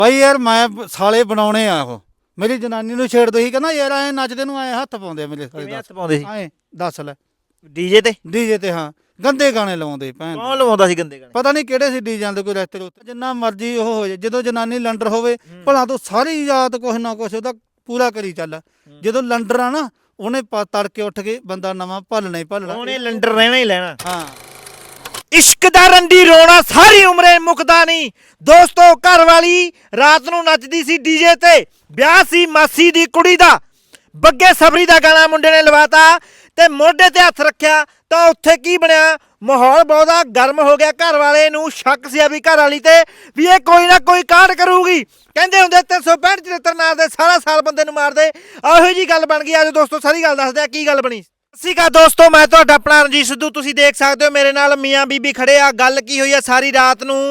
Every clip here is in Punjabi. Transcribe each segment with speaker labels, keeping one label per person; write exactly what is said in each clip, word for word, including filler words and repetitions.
Speaker 1: ਬਾਈ ਯਾਰ ਮੈਂ ਸਾਲੇ ਬਣਾਉਣੇ ਆ ਉਹ ਮੇਰੀ ਜਨਾਨੀ ਨੂੰ ਛੇੜ ਦੋ ਹੀ ਕਹਿੰਦਾ ਯਾਰ ਐ ਨੱਚਦੇ ਨੂੰ ਐ ਹੱਥ ਪਾਉਂਦੇ ਆ ਮੇਰੇ ਸਾਲੇ
Speaker 2: ਕਿਵੇਂ
Speaker 1: ਦੱਸ
Speaker 2: ਹੱਥ ਪਾਉਂਦੇ ਸੀ
Speaker 1: ਐ ਦੱਸ ਲੈ
Speaker 2: ਡੀਜੇ ਤੇ
Speaker 1: ਡੀਜੇ ਤੇ ਹਾਂ ਗੰਦੇ ਗਾਣੇ ਲਾਉਂਦੇ ਭੈਣ
Speaker 2: ਕੌਣ ਲਵਾਉਂਦਾ ਸੀ ਗੰਦੇ ਗਾਣੇ
Speaker 1: ਪਤਾ ਨਹੀਂ ਕਿਹੜੇ ਸੀ ਡੀਜਾਂ ਦੇ ਕੋਈ ਰਸਤੇ ਉੱਤੇ ਜਿੰਨਾ ਮਰਜ਼ੀ ਉਹ ਹੋ ਜਾਏ ਜਦੋਂ ਜਨਾਨੀ ਲੰਡਰ ਹੋਵੇ ਭਲਾ ਤੂੰ ਸਾਰੀ ਯਾਦ ਕੁਛ ਨਾ ਕੁਛ ਉਹਦਾ ਪੂਰਾ ਕਰੀ ਚੱਲ ਜਦੋਂ ਲੰਡਰ ਆ ਨਾ ਉਹਨੇ ਪ- ਤੜਕੇ ਉੱਠ ਕੇ ਬੰਦਾ ਨਵਾਂ ਭੱਲਣਾ ਹੀ ਭੱਲਣਾ
Speaker 2: ਉਹਨੇ ਲੰਡਰ ਰਹਿਣਾ ਹੀ ਲੈਣਾ
Speaker 1: ਹਾਂ
Speaker 2: ਇਸ਼ਕ ਦਾ ਰੰਡੀ ਰੋਣਾ ਸਾਰੀ ਉਮਰੇ ਮੁੱਕਦਾ ਨਹੀਂ ਦੋਸਤੋ ਘਰ ਵਾਲੀ ਰਾਤ ਨੂੰ ਨੱਚਦੀ ਸੀ ਡੀਜੇ ਤੇ ਵਿਆਹ ਸੀ ਮਾਸੀ ਦੀ ਕੁੜੀ ਦਾ ਬੱਗੇ ਸਬਰੀ ਦਾ ਗਾਣਾ ਮੁੰਡੇ ਨੇ ਲਵਾਤਾ ਤੇ ਮੋਢੇ ਤੇ ਹੱਥ ਰੱਖਿਆ ਤਾਂ ਉੱਥੇ ਕੀ ਬਣਿਆ ਮਾਹੌਲ ਬਹੁਤਾ ਗਰਮ ਹੋ ਗਿਆ ਘਰ ਵਾਲੇ ਨੂੰ ਸ਼ੱਕ ਸੀ ਵੀ ਘਰ ਵਾਲੀ ਤੇ ਵੀ ਇਹ ਕੋਈ ਨਾ ਕੋਈ ਕਾਂਡ ਕਰੂਗੀ ਕਹਿੰਦੇ ਹੁੰਦੇ ਤਿੰਨ ਸੌ ਪੈਂਹਠ ਚੁਹੱਤਰ ਨਾਲ ਦੇ ਸਾਰਾ ਸਾਲ ਬੰਦੇ ਨੂੰ ਮਾਰਦੇ ਇਹੋ ਜੀ ਗੱਲ ਬਣ ਗਈ ਅੱਜ ਦੋਸਤੋ ਸਾਰੀ ਗੱਲ ਦੱਸਦੇ ਆ ਕੀ ਗੱਲ ਬਣੀ ਸਤਿ ਸ਼੍ਰੀ ਅਕਾਲ ਦੋਸਤੋ ਮੈਂ ਤੁਹਾਡਾ ਆਪਣਾ ਰਣਜੀਤ ਸਿੱਧੂ ਤੁਸੀਂ ਦੇਖ ਸਕਦੇ ਹੋ ਮੇਰੇ ਨਾਲ ਮੀਆਂ ਬੀਬੀ ਖੜੇ ਆ ਗੱਲ ਕੀ ਹੋਈ ਆ ਸਾਰੀ ਰਾਤ ਨੂੰ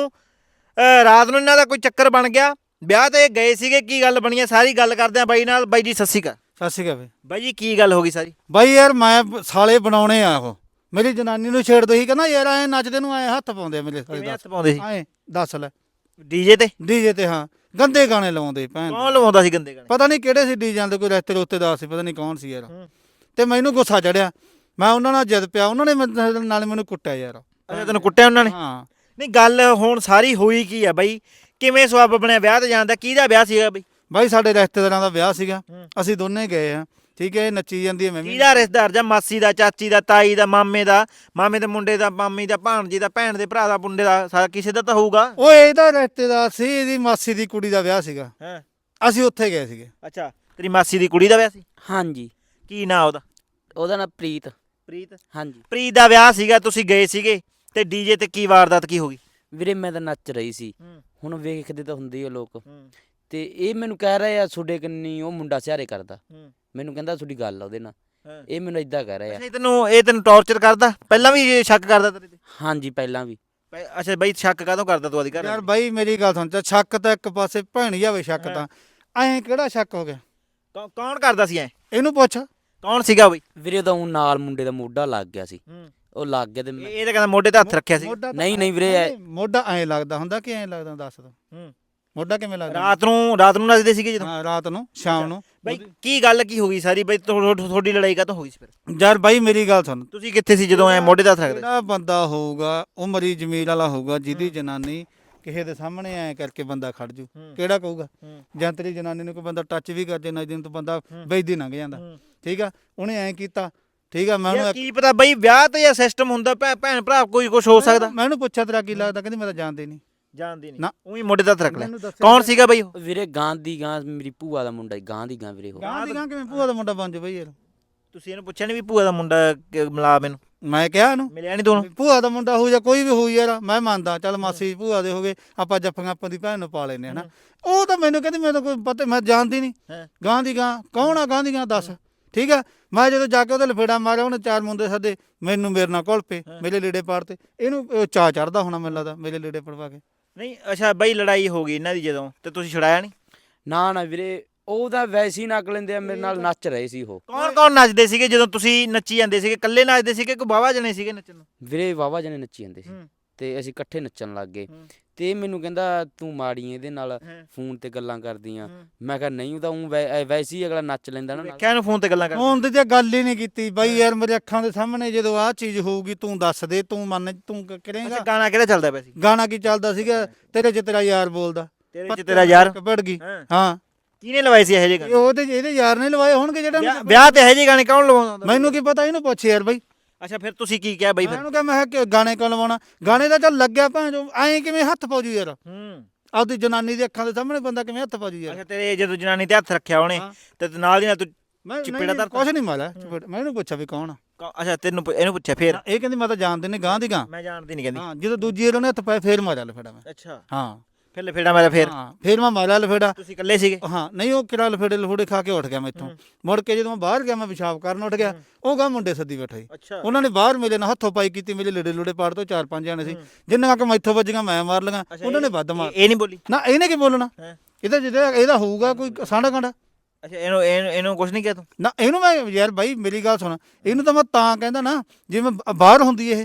Speaker 2: ਅਹ ਰਾਤ ਨੂੰ ਇਹਨਾਂ ਦਾ ਕੋਈ ਚੱਕਰ ਬਣ ਗਿਆ ਵਿਆਹ ਤੇ ਗਏ ਸੀਗੇ ਕੀ ਗੱਲ ਬਣੀ ਆ ਸਾਰੀ ਗੱਲ ਕਰਦੇ ਆ ਬਾਈ ਨਾਲ ਬਾਈ ਜੀ ਸਤਿ ਸ਼੍ਰੀ ਅਕਾਲ
Speaker 1: ਸਤਿ ਸ਼੍ਰੀ ਅਕਾਲ
Speaker 2: ਬਾਈ ਜੀ ਕੀ ਗੱਲ ਹੋ ਗਈ ਸਾਰੀ
Speaker 1: ਬਾਈ ਯਾਰ ਮੈਂ ਸਾਲੇ ਬਣਾਉਣੇ ਆ ਉਹ ਮੇਰੀ ਜਨਾਨੀ ਨੂੰ ਛੇੜ ਦੋ ਹੀ ਕਹਿੰਦਾ ਯਾਰ ਐ ਨੱਚਦੇ ਨੂੰ ਐ ਹੱਥ ਪਾਉਂਦੇ ਆ ਮੇਰੇ ਸਾਲੇ
Speaker 2: ਕਿਵੇਂ
Speaker 1: ਦੱਸ
Speaker 2: ਹੱਥ ਪਾਉਂਦੇ ਸੀ
Speaker 1: ਐ ਦੱਸ ਲੈ
Speaker 2: ਡੀਜੇ ਤੇ
Speaker 1: ਡੀਜੇ ਤੇ ਹਾਂ ਗੰਦੇ ਗਾਣੇ ਲਾਉਂਦੇ ਭੈਣ
Speaker 2: ਕੌਣ ਲਵਾਉਂਦਾ ਸੀ ਗੰਦੇ ਗਾਣੇ
Speaker 1: ਪਤਾ ਨਹੀਂ ਕਿਹੜੇ ਸੀ ਡੀਜਾਂ ਦੇ ਕੋਈ ਰਸਤੇ ਉੱਤੇ ਦਾ ਸੀ ਪਤਾ ਨਹੀਂ ਕੌਣ ਸੀ ਯਾਰ ਤੇ ਮੈਨੂੰ ਗੁੱਸਾ ਚੜਿਆ ਮੈਂ ਉਹਨਾਂ ਨਾਲ ਜਿੱਦ ਪਿਆ ਉਹਨਾਂ ਨੇ ਮੇਰੇ ਨਾਲ ਮੈਨੂੰ ਕੁੱਟਿਆ ਯਾਰ
Speaker 2: ਅੱਛਾ ਤੈਨੂੰ ਕੁੱਟਿਆ ਉਹਨਾਂ ਨੇ
Speaker 1: ਹਾਂ
Speaker 2: ਨਹੀਂ ਗੱਲ ਹੁਣ ਸਾਰੀ ਹੋਈ ਕੀ ਆ ਬਾਈ ਕਿਵੇਂ ਸਵਾਬ ਬਣਿਆ ਵਿਆਹ ਤੇ ਜਾਣ ਦਾ ਕਿਹਦਾ ਵਿਆਹ ਸੀਗਾ ਬਾਈ
Speaker 1: ਬਾਈ ਸਾਡੇ ਰਿਸ਼ਤੇਦਾਰਾਂ ਦਾ ਵਿਆਹ ਸੀਗਾ
Speaker 2: ਹੂੰ।
Speaker 1: ਅਸੀਂ ਦੋਨੇ ਗਏ ਆ ਠੀਕ ਹੈ ਇਹ ਨੱਚੀ ਜਾਂਦੀ ਹੈ ਮੈਂ ਵੀ
Speaker 2: ਕਿਹਦਾ ਰਿਸ਼ਤੇਦਾਰ ਜਾਂ ਮਾਸੀ ਦਾ ਚਾਚੀ ਦਾ ਤਾਈ ਦਾ ਮਾਮੇ ਦਾ ਮਾਮੇ ਦੇ ਮੁੰਡੇ ਦਾ ਮਾਮੀ ਦਾ ਭਾਣਜੀ ਦਾ ਭੈਣ ਦੇ ਭਰਾ ਦਾ ਮੁੰਡੇ ਦਾ ਸਾਰਾ ਕਿਸੇ ਦਾ ਤਾਂ ਹੋਊਗਾ
Speaker 1: ਓਏ ਇਹਦਾ ਰਿਸ਼ਤੇਦਾਰ ਸੀ ਇਹਦੀ ਮਾਸੀ ਦੀ ਕੁੜੀ ਦਾ ਵਿਆਹ ਸੀਗਾ
Speaker 2: ਹਾਂ
Speaker 1: ਅਸੀਂ ਉੱਥੇ ਗਏ ਸੀਗੇ
Speaker 2: ਅੱਛਾ ਤੇਰੀ ਮਾਸੀ ਦੀ ਕੁੜੀ ਦਾ ਵਿਆਹ ਸੀ
Speaker 3: ਹਾਂਜੀ
Speaker 2: ਕੀ ਨਾਂ ਉਹਦਾ
Speaker 3: ਉਹਦਾ ਨਾਂ ਪ੍ਰੀਤ
Speaker 2: ਪ੍ਰੀਤ
Speaker 3: ਹਾਂਜੀ
Speaker 2: ਪ੍ਰੀਤ ਦਾ ਵਿਆਹ ਸੀਗਾ ਤੁਸੀਂ ਗਏ ਸੀਗੇ ਤੇ ਡੀਜੇ ਤੇ ਕੀ ਵਾਰਦਾਤ ਕੀ ਹੋ ਗਈ
Speaker 3: ਵੀਰੇ ਮੈਂ ਤਾਂ ਨੱਚ ਰਹੀ ਸੀ
Speaker 2: ਹੂੰ
Speaker 3: ਹੁਣ ਵੇਖਦੇ ਤਾਂ ਹੁੰਦੇ ਹੀ ਆ ਲੋਕ
Speaker 2: ਹੂੰ
Speaker 3: ਤੇ ਇਹ ਮੈਨੂੰ ਕਹਿ ਰਿਹਾ ਆ ਤੁਹਾਡੇ ਕੰਨੀ ਉਹ ਮੁੰਡਾ ਸਿਆਰੇ ਕਰਦਾ
Speaker 2: ਹੂੰ
Speaker 3: ਮੈਨੂੰ ਕਹਿੰਦਾ ਤੁਹਾਡੀ ਗੱਲ ਆ ਉਹਦੇ ਨਾਲ
Speaker 2: ਹਾਂ।
Speaker 3: ਇਹ ਮੈਨੂੰ ਇਦਾਂ ਕਹਿ ਰਿਹਾ
Speaker 2: ਅੱਛਾ ਇਹ ਤੈਨੂੰ ਇਹ ਤੈਨੂੰ ਟੌਰਚਰ ਕਰਦਾ ਪਹਿਲਾਂ ਵੀ ਇਹ ਸ਼ੱਕ ਕਰਦਾ ਤੇਰੇ ਤੇ
Speaker 3: ਹਾਂਜੀ ਪਹਿਲਾਂ ਵੀ
Speaker 2: ਪਹਿ- ਅੱਛਾ ਬਾਈ ਸ਼ੱਕ ਕਾਹਤੋਂ ਕਰਦਾ ਤੂੰ ਆਦੀ ਘਰ
Speaker 1: ਯਾਰ ਬਾਈ ਮੇਰੀ ਗੱਲ ਸੁਣ ਤੇ ਸ਼ੱਕ ਤਾਂ ਇੱਕ ਪਾਸੇ ਭੈਣ ਜਾਵੇ ਸ਼ੱਕ ਤਾਂ ਐਂ ਕਿਹੜਾ ਸ਼ੱਕ ਹੋ ਗਿਆ
Speaker 2: ਕੌ- ਕੌਣ ਕਰਦਾ ਸੀ ਐ
Speaker 1: ਇਹਨੂੰ ਪੁੱਛ
Speaker 2: ਕੌਣ ਸੀਗਾ ਬਈ
Speaker 3: ਵੀਰੇ ਤਾਂ ਉਹ ਨਾਲ ਮੁੰਡੇ ਦਾ ਮੋਢਾ ਲੱਗ ਗਿਆ ਸੀ ਉਹ ਲੱਗ ਗਿਆ ਤੇ
Speaker 2: ਇਹ
Speaker 3: ਮੈਂ
Speaker 2: ਇਹ ਤਾਂ ਕਹਿੰਦਾ ਮੋਢੇ ਤੇ ਹੱਥ ਰੱਖਿਆ ਸੀ
Speaker 1: ਮੋਢਾ ਤਾਂ-
Speaker 3: ਨਹੀਂ, ਨਹੀਂ ਵੀਰੇ, ਐ-
Speaker 1: ਮੋਢਾ ਐਂ ਲੱਗਦਾ ਹੁੰਦਾ ਕਿ ਐਂ ਲੱਗਦਾ ਦੱਸ ਦੋ
Speaker 2: ਹੂੰ
Speaker 1: ਮੋਢਾ ਕਿਵੇਂ ਲੱਗਦਾ
Speaker 2: ਰਾਤ ਨੂੰ ਰਾਤ ਨੂੰ ਨੱਚਦੇ ਸੀਗੇ ਜਦੋਂ
Speaker 1: ਹਾਂ ਰਾਤ ਨੂੰ ਸ਼ਾਮ ਨੂੰ
Speaker 2: ਬਾਈ ਕੀ ਗੱਲ ਕੀ ਹੋ ਗਈ ਸਾਰੀ ਬਾਈ ਤੁਹਾ- ਤੁਹਾਡੀ ਲੜਾਈ ਕਾਹਤੋਂ ਹੋ ਗਈ ਸੀ ਫਿਰ
Speaker 1: ਯਾਰ ਬਾਈ ਮੇਰੀ ਗੱਲ ਸੁਣ
Speaker 2: ਤੁਸੀਂ ਕਿੱਥੇ ਸੀ ਜਦੋਂ ਐ ਮੋਢੇ ਤੇ ਹੱਥ ਰੱਖਦੇ
Speaker 1: ਜਿਹੜਾ ਬੰਦਾ ਹੋਊਗਾ ਉਹ ਮਰੀ ਜ਼ਮੀਰ ਵਾਲਾ ਹੋਊਗਾ ਜਿਹਦੀ ਜਨਾਨੀ ਕਿਸੇ ਦੇ ਸਾਹਮਣੇ ਐ ਕਰਕੇ ਬੰਦਾ ਖੜ ਜੂ
Speaker 2: ਹੂੰ।
Speaker 1: ਕਿਹੜਾ ਕਹੂਗਾ
Speaker 2: ਹੂੰ।
Speaker 1: ਜਾਂ ਤੇਰੀ ਜਨਾਨੀ ਨੂੰ ਕੋਈ ਬੰਦਾ ਟੱਚ ਵੀ ਕਰ ਜੇ ਨਾ ਦਿਨ ਤੋਂ ਬੰਦਾ ਬੈਦੀ ਲੰਘ ਜਾਂਦਾ ਠੀਕ ਆ ਉਹਨੇ ਐਂ ਕੀਤਾ ਠੀਕ ਆ ਮੈਂ
Speaker 2: ਯਾਰ
Speaker 1: ਉਹਨੂੰ
Speaker 2: ਕੀ ਪਤਾ ਬਾਈ ਵਿਆਹ ਤੇ ਜਾਂ ਸਿਸਟਮ ਹੁੰਦਾ ਭੈ- ਭੈਣ ਭਰਾ ਕੋਈ ਕੁਝ ਹੋ ਸਕਦਾ
Speaker 1: ਮੈਂ ਉਹਨੂੰ ਪੁੱਛਿਆ ਤੇਰਾ ਕੀ ਲੱਗਦਾ ਕਹਿੰਦੀ ਮੈਂ ਤਾਂ ਜਾਣਦੀ ਨਹੀਂ
Speaker 2: ਜਾਣਦੀ ਨਹੀਂ
Speaker 1: ਨਾ।
Speaker 2: ਉਹੀ ਮੋਢੇ ਤੇ ਹੱਥ ਰੱਖ ਲਿਆ
Speaker 1: ਮੈਨੂੰ ਦੱਸਿਆ
Speaker 2: ਕੌਣ ਸੀਗਾ ਬਾਈ ਉਹ
Speaker 3: ਵੀਰੇ ਗਾਂ ਦੀ ਗਾਂ ਮੇਰੀ ਭੂਆ ਦਾ ਮੁੰਡਾ ਗਾਂ ਦੀ ਗਾਂ ਵੀਰੇ ਉਹ
Speaker 1: ਗਾਂ ਦੀ ਗਾਂ ਕਿਵੇਂ ਭੂਆ ਦਾ ਮੁੰਡਾ ਬਣ ਜਾ ਬਈ ਯਾਰ
Speaker 2: ਤੁਸੀਂ ਇਹਨੂੰ ਪੁੱਛਿਆ ਨਹੀਂ ਵੀ ਭੂਆ ਦਾ ਮੁੰਡਾ ਕਿ- ਮਿਲਾ ਮੈਨੂੰ
Speaker 1: ਮੈਂ ਕਿਹਾ ਇਹਨੂੰ
Speaker 2: ਮਿਲਿਆ ਨਹੀਂ ਦੋਨੋਂ
Speaker 1: ਭੂਆ ਦਾ ਮੁੰਡਾ ਹੋਊ ਜਾਂ ਕੋਈ ਵੀ ਹੋਊ ਯਾਰ ਮੈਂ ਮੰਨਦਾ ਚੱਲ ਮਾਸੀ ਭੂਆ ਦੇ ਹੋਗੇ ਆਪਾਂ ਜੱਫੀਆਂ ਆਪਾਂ ਦੀ ਭੈਣ ਨੂੰ ਪਾ ਲੈਨੇ ਹਨਾ ਉਹ ਤਾਂ ਮੈਨੂੰ ਕਹਿੰਦੀ ਮੈਂ ਤਾਂ ਕੋਈ ਪਤਾ ਮੈਂ ਜਾਣਦੀ ਨਹੀਂ
Speaker 2: ਹਾਂ।
Speaker 1: ਗਾਂ ਦੀ ਗਾਂ ਕੌਣ ਆ ਗਾਂ ਦੀ ਗਾਂ ਦੱਸ ਠੀਕ ਆ ਮੈਂ ਜਦੋਂ ਜਾ ਕੇ ਉਹਦੇ ਲਫੇੜਾ ਮਾਰਿਆ ਉਹਨੇ ਚਾਰ ਮੁੰਡੇ ਸੱਦੇ ਮੈਨੂੰ ਮੇਰੇ ਨਾਲ ਘੁਲ ਪਏ ਮੇਰੇ ਲੀੜੇ ਪਾੜਤੇ ਇਹਨੂੰ ਅਹ, ਚਾਅ ਚੜਦਾ ਹੋਣਾ ਮੈਨੂੰ ਲੱਗਦਾ ਮੇਰੇ ਲੀੜੇ ਪੜਵਾ ਕੇ
Speaker 2: ਨਹੀਂ ਅੱਛਾ ਬਾਈ ਲੜਾਈ ਹੋ ਗਈ ਇਹਨਾਂ ਦੀ ਜਦੋਂ ਤੇ ਤੁਸੀਂ ਛੁਡਾਇਆ ਨਹੀਂ
Speaker 3: ਨਾ ਨਾ ਵੀਰੇ ਉਹ ਤਾਂ ਵੈਸੇ ਹੀ ਨੱਕ ਲੈਂਦੇ ਆ ਮੇਰੇ ਨਾਲ ਨੱਚ ਰਹੇ ਸੀ ਉਹ
Speaker 2: ਕੌਣ ਕੌਣ ਨੱਚਦੇ ਸੀਗੇ ਜਦੋਂ ਤੁਸੀਂ ਨੱਚੀ ਜਾਂਦੇ ਸੀਗੇ ਇਕੱਲੇ ਨੱਚਦੇ ਸੀਗੇ ਕੋਈ ਬਾਵਾ ਜਣੇ ਸੀਗੇ ਨੱਚਣ ਨੂੰ
Speaker 3: ਵੀਰੇ ਵਾਵਾ ਜਣੇ ਨੱਚੀ ਜਾਂਦੇ ਸੀ
Speaker 2: ਹੂੰ।
Speaker 3: ਤੇ ਅਸੀਂ ਇਕੱਠੇ ਨੱਚਣ ਲੱਗ ਗਏ
Speaker 2: ਹੂੰ।
Speaker 3: ਤੇ ਇਹ ਮੈਨੂੰ ਕਹਿੰਦਾ ਤੂੰ ਮਾੜੀ ਇਹਦੇ ਨਾਲ
Speaker 2: ਹਾਂ।
Speaker 3: ਫੋਨ ਤੇ ਗੱਲਾਂ ਕਰਦੀਆਂ
Speaker 2: ਹੂੰ।
Speaker 3: ਮੈਂ ਕਿਹਾ ਨਹੀਂ ਉਹ ਤਾਂ ਊਂ ਵੈ- ਐ ਵੈਸੇ ਹੀ ਅਗਲਾ ਨੱਚ ਲੈਂਦਾ ਨਾ ਨਾਲ।
Speaker 2: ਵੇਖਿਆ ਇਹਨੂੰ ਫੋਨ ਤੇ ਗੱਲਾਂ ਕਰ
Speaker 1: ਹੁਣ ਤੇ ਗੱਲ ਹੀ ਨਹੀਂ ਕੀਤੀ ਬਾਈ ਯਾਰ ਮੇਰੇ ਅੱਖਾਂ ਦੇ ਸਾਹਮਣੇ ਜਦੋਂ ਆਹ ਚੀਜ਼ ਹੋਊਗੀ ਤੂੰ ਦੱਸ ਦੇ ਤੂੰ ਮੰਨ ਤੂੰ ਕ-
Speaker 2: ਅੱਛਾ
Speaker 1: ਕਰੇਂਗਾ
Speaker 2: ਗਾਣਾ ਕਿਹੜਾ ਚੱਲਦਾ ਪਿਆ ਸੀ
Speaker 1: ਗਾਣਾ ਕੀ ਚੱਲਦਾ ਸੀਗਾ ਤੇਰੇ ਚ ਤੇਰਾ ਯਾਰ ਬੋਲਦਾ
Speaker 2: ਤੇਰੇ ਚ ਤੇਰਾ ਯਾਰ
Speaker 1: ਕਪੜ ਗਈ
Speaker 2: ਹਾਂ
Speaker 1: ਹਾਂ
Speaker 2: ਕਿਹਨੇ ਲਵਾਏ ਸੀ ਇਹੋ ਜਿਹੇ
Speaker 1: ਇਹ
Speaker 2: ਗਾਣੇ
Speaker 1: ਉਹਦੇ ਇਹਦੇ ਯਾਰ ਨੇ ਲਵਾਏ ਹੋਣਗੇ ਜਿਹੜਾ
Speaker 2: ਵਿਆਹ- ਵਿਆਹ ਤੇ ਇਹੋ ਜਿਹੇ ਗਾਣੇ ਕੌਣ ਲਵਾਉਂਦਾ ਹੁੰਦਾ?
Speaker 1: ਮੈਨੂੰ ਕੀ ਪਤਾ ਇਹਨੂੰ ਪੁੱਛ ਯਾਰ ਬਾਈ
Speaker 2: ਅੱਛਾ ਫਿਰ ਤੁਸੀਂ ਕੀ ਕਿਹਾ ਬਾਈ
Speaker 1: ਮੈਂ
Speaker 2: ਫਿਰ
Speaker 1: ਇਹਨੂੰ ਕਿਹਾ ਮੈਂ ਕਿਹਾ ਕਿ ਗਾਣੇ ਕਿਉਂ ਲਵਾਉਣਾ ਗਾਣੇ ਦਾ ਚੱਲ ਲੱਗਿਆ ਭਾਂ ਜੋ ਐਂ ਕਿਵੇਂ ਹੱਥ ਪਾਉਜੂ ਯਾਰ
Speaker 2: ਹੂੰ
Speaker 1: ਆਪਦੀ ਜਨਾਨੀ ਦੀ ਅੱਖਾਂ ਦੇ ਸਾਹਮਣੇ ਬੰਦਾ ਕਿਵੇਂ ਹੱਥ ਪਾਉਜੂ ਯਾਰ
Speaker 2: ਅੱਛਾ ਤੇਰੇ ਜਦੋਂ ਜਨਾਨੀ ਤੇ ਹੱਥ ਰੱਖਿਆ ਉਹਨੇ
Speaker 1: ਹਾਂ।
Speaker 2: ਤੇ ਨਾਲ ਦੀ ਨਾਲ ਤੂੰ
Speaker 1: ਮੈਂ
Speaker 2: ਚਪੇੜਾ ਧਰਤਾ?
Speaker 1: ਕੁਛ ਨਹੀਂ ਮਾਰਿਆ ਚਪੇੜ ਮੈਂ ਇਹਨੂੰ ਪੁੱਛਿਆ ਵੀ ਕੌਣ ਆ
Speaker 2: ਕੌ- ਅੱਛਾ ਤੈਨੂੰ ਪੁ- ਇਹਨੂੰ ਪੁੱਛਿਆ ਫਿਰ
Speaker 1: ਇਹ ਕਹਿੰਦੀ ਮੈਂ ਤਾਂ ਜਾਣਦੇ ਨੇ ਗਾਂ ਦੀ ਗਾਂ
Speaker 2: ਮੈਂ ਜਾਣਦੀ ਨਹੀਂ ਕਹਿੰਦੀ
Speaker 1: ਹਾਂ ਜਦੋਂ ਦੂਜੀ ਵਾਰ ਉਹਨੇ ਹੱਥ ਪਾਇਆ ਫੇਰ ਮਾਰਿਆ ਲਫੇੜਾ ਮੈਂ
Speaker 2: ਅੱਛਾ
Speaker 1: ਹਾਂ
Speaker 2: ਫਿਰ ਲਫੇੜਾ ਮੇਰਾ ਫਿਰ
Speaker 1: ਹਾਂ ਫੇਰ ਮੈਂ ਮਾਰਿਆ ਲਫੇੜਾ
Speaker 2: ਤੁਸੀਂ ਇਕੱਲੇ ਸੀਗੇ
Speaker 1: ਹਾਂ ਨਹੀਂ ਉਹ ਕਿਹੜਾ ਲਫੇੜੇ ਲਫੂੜੇ ਖਾ ਕੇ ਉੱਠ ਗਿਆ ਮੈਥੋਂ ਮੁੜ ਕੇ ਜਦੋਂ ਮੈਂ ਬਾਹਰ ਗਿਆ ਮੈਂ ਪਿਸ਼ਾਬ ਕਰਨ ਉੱਠ ਗਿਆ ਉਹ ਗਾ ਮੁੰਡੇ ਸੱਦੀ ਬੈਠਾ ਸੀ
Speaker 2: ਅੱਛਾ
Speaker 1: ਉਹਨਾਂ ਨੇ ਬਾਹਰ ਮੇਰੇ ਨਾਲ ਹੱਥੋਂ ਪਾਈ ਕੀਤੀ ਮੇਰੇ ਲੀੜੇ ਲੂੜੇ ਪਾੜ ਤੋਂ ਚਾਰ ਪੰਜ ਜਾਣੇ ਸੀ ਜਿੰਨਾ ਕਿ ਮੈਥੋਂ ਵੱਜੀਆਂ ਮੈਂ ਮਾਰ ਲਈਆਂ ਉਹਨਾਂ ਨੇ ਵੱਧ ਮਾਰ
Speaker 2: ਇਹ ਨਹੀਂ ਬੋਲੀ
Speaker 1: ਨਾ ਇਹਨੇ ਕੀ ਬੋਲਣਾ
Speaker 2: ਹਾਂ
Speaker 1: ਇਹਦਾ ਜਿਹੜਾ ਇਹਦਾ ਹੋਊਗਾ ਕੋਈ ਸਾਂਢਾ ਕਾਂਡਾ
Speaker 2: ਅੱਛਾ ਇਹਨੂੰ ਇਹਨੂੰ ਇਹਨੂੰ ਕੁਝ ਨਹੀਂ ਕਿਹਾ ਤੂੰ
Speaker 1: ਨਾ ਇਹਨੂੰ ਮੈਂ ਯਾਰ ਬਾਈ ਮੇਰੀ ਗੱਲ ਸੁਣ ਇਹਨੂੰ ਤਾਂ ਮੈਂ ਤਾਂ ਕਹਿੰਦਾ ਨਾ ਜਿਵੇਂ ਬ- ਬਾਹਰ ਹੁੰਦੀ ਇਹ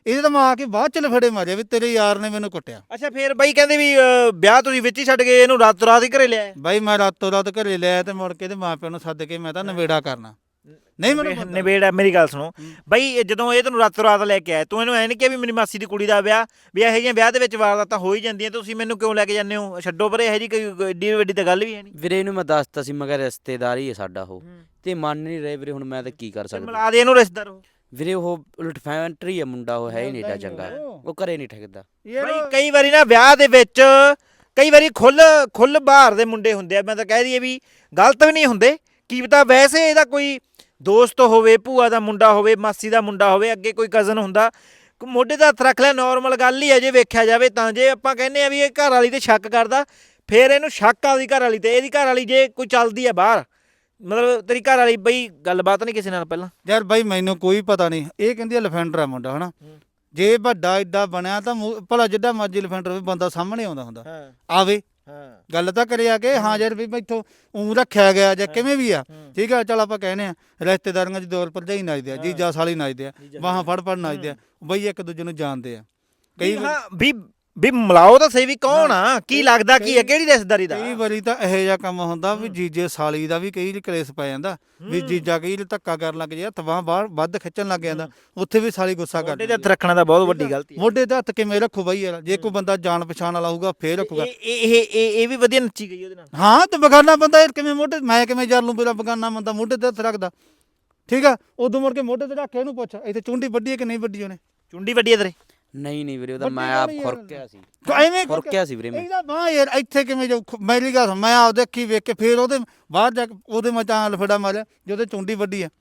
Speaker 1: ਇਹਦੇ ਤਾਂ ਮੈਂ ਆ ਕੇ ਬਾਅਦ ਚ ਲਫੜੇ ਮਾਰਿਆ ਵੀ ਤੇਰੇ ਯਾਰ ਨੇ ਮੈਨੂੰ ਕੁੱਟਿਆ।
Speaker 2: ਅੱਛਾ ਫੇਰ ਬਾਈ ਕਹਿੰਦੇ ਵੀ ਅ, ਵਿਆਹ ਤੁਸੀਂ ਵਿੱਚ ਹੀ ਛੱਡ ਗਏ ਇਹਨੂੰ ਰਾਤੋਂ ਰਾਤ ਹੀ ਘਰੇ ਲਿਆਏ?
Speaker 1: ਬਾਈ ਮੈਂ ਰਾਤੋਂ ਰਾਤ ਘਰੇ ਲਿਆ ਤੇ ਮੁੜ ਕੇ ਤੇ ਮਾਪਿਆਂ ਨੂੰ ਸੱਦ ਕੇ ਮੈਂ ਤਾਂ ਨਵੇੜਾ ਕਰਨਾ। ਨਹੀਂ ਮੈਨੂੰ ਪਤਾ।
Speaker 2: ਨਿਬੇੜ ਮੇਰੀ ਗੱਲ ਸੁਣੋ ਬਾਈ, ਇਹ ਜਦੋਂ ਇਹ ਤੈਨੂੰ ਰਾਤੋਂ ਰਾਤ ਲੈ ਕੇ ਆਏ ਤੂੰ ਇਹਨੂੰ ਐ ਨਹੀਂ ਕਿਹਾ ਵੀ ਮੇਰੀ ਮਾਸੀ ਦੀ ਕੁੜੀ ਦਾ ਵਿਆਹ ਵੀ ਇਹੋ ਜਿਹੀਆਂ ਵਿਆਹ ਦੇ ਵਿੱਚ ਵਾਰਦਾਤਾਂ ਹੋ ਹੀ ਜਾਂਦੀਆਂ, ਤੁਸੀਂ ਮੈਨੂੰ ਕਿਉਂ ਲੈ ਕੇ ਜਾਂਦੇ ਹੋ? ਛੱਡੋ ਪਰ ਇਹੋ ਜਿਹੀ ਕੋਈ ਏਡੀ ਵੱਡੀ ਤਾਂ ਗੱਲ ਵੀ ਹੈ ਨਹੀਂ।
Speaker 3: ਵੀਰੇ ਇਹਨੂੰ ਮੈਂ ਦੱਸਤਾ ਸੀ ਮੈਂ ਕਿਹਾ ਰਿਸ਼ਤੇਦਾਰ ਹੀ ਹੈ ਸਾਡਾ ਉਹ, ਤੇ ਮੰਨ ਨਹੀਂ ਰਹੇ ਵੀਰੇ, ਹੁਣ ਮੈਂ ਤਾਂ ਕੀ ਕਰ ਸਕਦਾ।
Speaker 2: ਮਿਲਾ ਦੇ ਇਹਨੂੰ ਰਿਸ਼ਤੇਦਾਰ ਉਹ।
Speaker 3: ਵੀਰੇ ਉਹ ਲਟਫੈਂਟਰੀ ਹੈ ਮੁੰਡਾ, ਉਹ ਹੈ ਹੀ ਨਹੀਂ ਏਡਾ ਚੰਗਾ, ਉਹ ਘਰੇ ਨਹੀਂ ਠੱਗਦਾ।
Speaker 2: ਬਾਈ ਕਈ ਵਾਰੀ ਨਾ ਵਿਆਹ ਦੇ ਵਿੱਚ ਕਈ ਵਾਰੀ ਖੁੱਲ ਖੁੱਲ ਬਾਹਰ ਦੇ ਮੁੰਡੇ ਹੁੰਦੇ ਆ, ਮੈਂ ਤਾਂ ਕਹਿ ਦਈਏ ਵੀ ਗਲਤ ਵੀ ਨਹੀਂ ਹੁੰਦੇ, ਕੀ ਪਤਾ ਵੈਸੇ ਇਹਦਾ ਕੋਈ ਦੋਸਤ ਹੋਵੇ, ਭੂਆ ਦਾ ਮੁੰਡਾ ਹੋਵੇ, ਮਾਸੀ ਦਾ ਮੁੰਡਾ ਹੋਵੇ, ਅੱਗੇ ਕੋਈ ਕਜ਼ਨ ਹੁੰਦਾ, ਮੋਢੇ ਦਾ ਹੱਥ ਰੱਖ ਲਿਆ, ਨੋਰਮਲ ਗੱਲ ਹੀ ਹੈ ਜੇ ਵੇਖਿਆ ਜਾਵੇ ਤਾਂ। ਜੇ ਆਪਾਂ ਕਹਿੰਦੇ ਆ ਵੀ ਇਹ ਘਰ ਵਾਲੀ ਤੇ ਸ਼ੱਕ ਕਰਦਾ, ਫਿਰ ਇਹਨੂੰ ਸ਼ੱਕ ਆ ਉਹਦੀ ਘਰ ਵਾਲੀ ਤੇ। ਇਹਦੀ ਘਰ ਵਾਲੀ ਜੇ ਕੋਈ ਚੱਲਦੀ ਹੈ ਬਾਹਰ, ਮਤਲਬ ਤੇਰੀ ਘਰ ਵਾਲੀ ਬਈ ਗੱਲਬਾਤ ਨਹੀਂ ਕਿਸੇ ਨਾਲ ਪਹਿਲਾਂ?
Speaker 1: ਯਾਰ ਬਾਈ ਮੈਨੂੰ ਕੋਈ ਪਤਾ ਨਹੀਂ, ਇਹ ਕਹਿੰਦੀ ਲਫੈਂਡਰ ਆ ਮੁੰਡਾ ਹਨਾ, ਜੇ ਵੱਡਾ ਏਡਾ ਬਣਿਆ ਤਾਂ ਮੂੰਹ- ਭਲਾ ਜਿੱਡਾ ਮਰਜ਼ੀ ਲਫੈਂਡਰ ਹੋਵੇ ਬੰਦਾ ਸਾਹਮਣੇ ਆਉਂਦਾ ਹੁੰਦਾ, ਆਵੇ ਗੱਲ ਤਾਂ ਕਰੇ ਆ ਕੇ ਹਾਂ ਯਾਰ ਵੀ ਮੈਥੋਂ ਊਂ ਰੱਖਿਆ ਗਿਆ ਜਾਂ ਕਿਵੇਂ ਵੀ ਆ, ਠੀਕ ਆ ਚੱਲ ਆਪਾਂ ਕਹਿੰਦੇ ਆ ਰਿਸ਼ਤੇਦਾਰੀਆਂ 'ਚ ਦੌਰ ਭਰਜਾਈ ਨੱਚਦੇ ਆ, ਜੀਜਾ ਸਾਲੀ ਨੱਚਦੇ ਆ, ਬਾਹਾਂ ਫੜ ਫੜ ਨੱਚਦੇ ਆ ਬਈ, ਇੱਕ ਦੂਜੇ ਨੂੰ ਜਾਣਦੇ ਆ ਕਈ
Speaker 2: ਹਾਂ ਵੀ ਵੀ ਮਿਲਾਓ ਤਾਂ ਸਹੀ ਵੀ ਕੌਣ ਆ, ਕੀ ਲੱਗਦਾ ਕੀ ਹੈ, ਕਿਹੜੀ ਰਿਸ਼ਤੇਦਾਰੀ ਦਾ?
Speaker 1: ਕਈ ਵਾਰੀ ਤਾਂ ਇਹੋ ਜਿਹਾ ਕੰਮ ਹੁੰਦਾ ਵੀ ਜੀਜੇ ਸਾਲੀ ਦਾ ਵੀ ਕਈ ਕਲੇਸ਼ ਪੈ ਜਾਂਦਾ, ਵੀ ਜੀਜਾ ਕਈ ਧੱਕਾ ਕਰਨ ਲੱਗ ਜਾਂਦਾ, ਤਵਾਂ ਬਾਹਰ ਵੱਧ ਖਿੱਚਣ ਲੱਗ ਜਾਂਦਾ, ਉੱਥੇ ਵੀ ਸਾਲੀ ਗੁੱਸਾ ਕਰ
Speaker 2: ਮੋਢੇ ਤੇ ਹੱਥ ਰੱਖਣਾ ਤਾਂ ਬਹੁਤ ਵੱਡੀ ਗਲਤੀ ਹੈ।
Speaker 1: ਮੋਢੇ ਤੇ ਹੱਥ ਕਿਵੇਂ ਰੱਖੋ ਬਾਈ ਯਾਰ, ਜੇ ਕੋਈ ਬੰਦਾ ਜਾਣ ਪਛਾਣ ਵਾਲਾ ਹੋਊਗਾ ਫੇਰ ਰੱਖੂਗਾ।
Speaker 2: ਇਹ ਇਹ ਇਹ ਇਹ ਵੀ ਵਧੀਆ ਨੱਚੀ ਗਈ ਉਹਦੇ ਨਾਲ।
Speaker 1: ਹਾਂ ਤੇ ਬਗਾਨਾ ਬੰਦਾ ਯਾਰ ਕਿਵੇਂ ਮੋਢੇ, ਮੈਂ ਕਿਵੇਂ ਯਾਰ ਨੂੰ ਮੇਰਾ ਬਗਾਨਾ ਬੰਦਾ ਮੋਢੇ ਤੇ ਹੱਥ ਰੱਖਦਾ, ਠੀਕ ਆ, ਉਦੋਂ ਮੁੜ ਕੇ ਮੋਢੇ ਤੇ ਰੱਖ ਕੇ ਇਹਨੂੰ ਪੁੱਛ ਇੱਥੇ ਚੁੰਡੀ ਵੱਡੀ ਹੈ ਕਿ ਨਹੀਂ ਵੱਡੀ ਉਹਨੇ?
Speaker 2: ਚੁੰਡੀ ਵੱਡੀ ਹੈ ਤੇਰੇ?
Speaker 3: ਨਹੀਂ ਨਹੀਂ ਵੀਰੇ, ਉਹਦਾ
Speaker 1: ਵੱਡੀ
Speaker 3: ਮੈਂ
Speaker 1: ਗੱਲ
Speaker 3: ਆਪ
Speaker 1: ਯਾਰ।
Speaker 3: ਖੁਰਕਿਆ ਸੀ,
Speaker 1: ਐਵੇਂ
Speaker 3: ਖੁਰਕਿਆ ਸੀ ਵੀਰੇ ਮੈਂ।
Speaker 1: ਇਹਦਾ ਬਾਹ ਯਾਰ ਇੱਥੇ ਕਿਵੇਂ ਜਾਊ, ਮੇਰੀ ਗੱਲ ਸੁਣ, ਮੈਂ ਆਪਦੇ ਅੱਖੀ ਵੇਖ ਕੇ ਫੇਰ ਉਹਦੇ ਬਾਹਰ ਜਾ ਕੇ ਉਹਦੇ ਮੈਂ ਤਾਂ ਲਫੜਾ ਮਾਰਿਆ ਜਦੋਂ ਚੁੰਡੀ ਵੱਡੀ ਆ,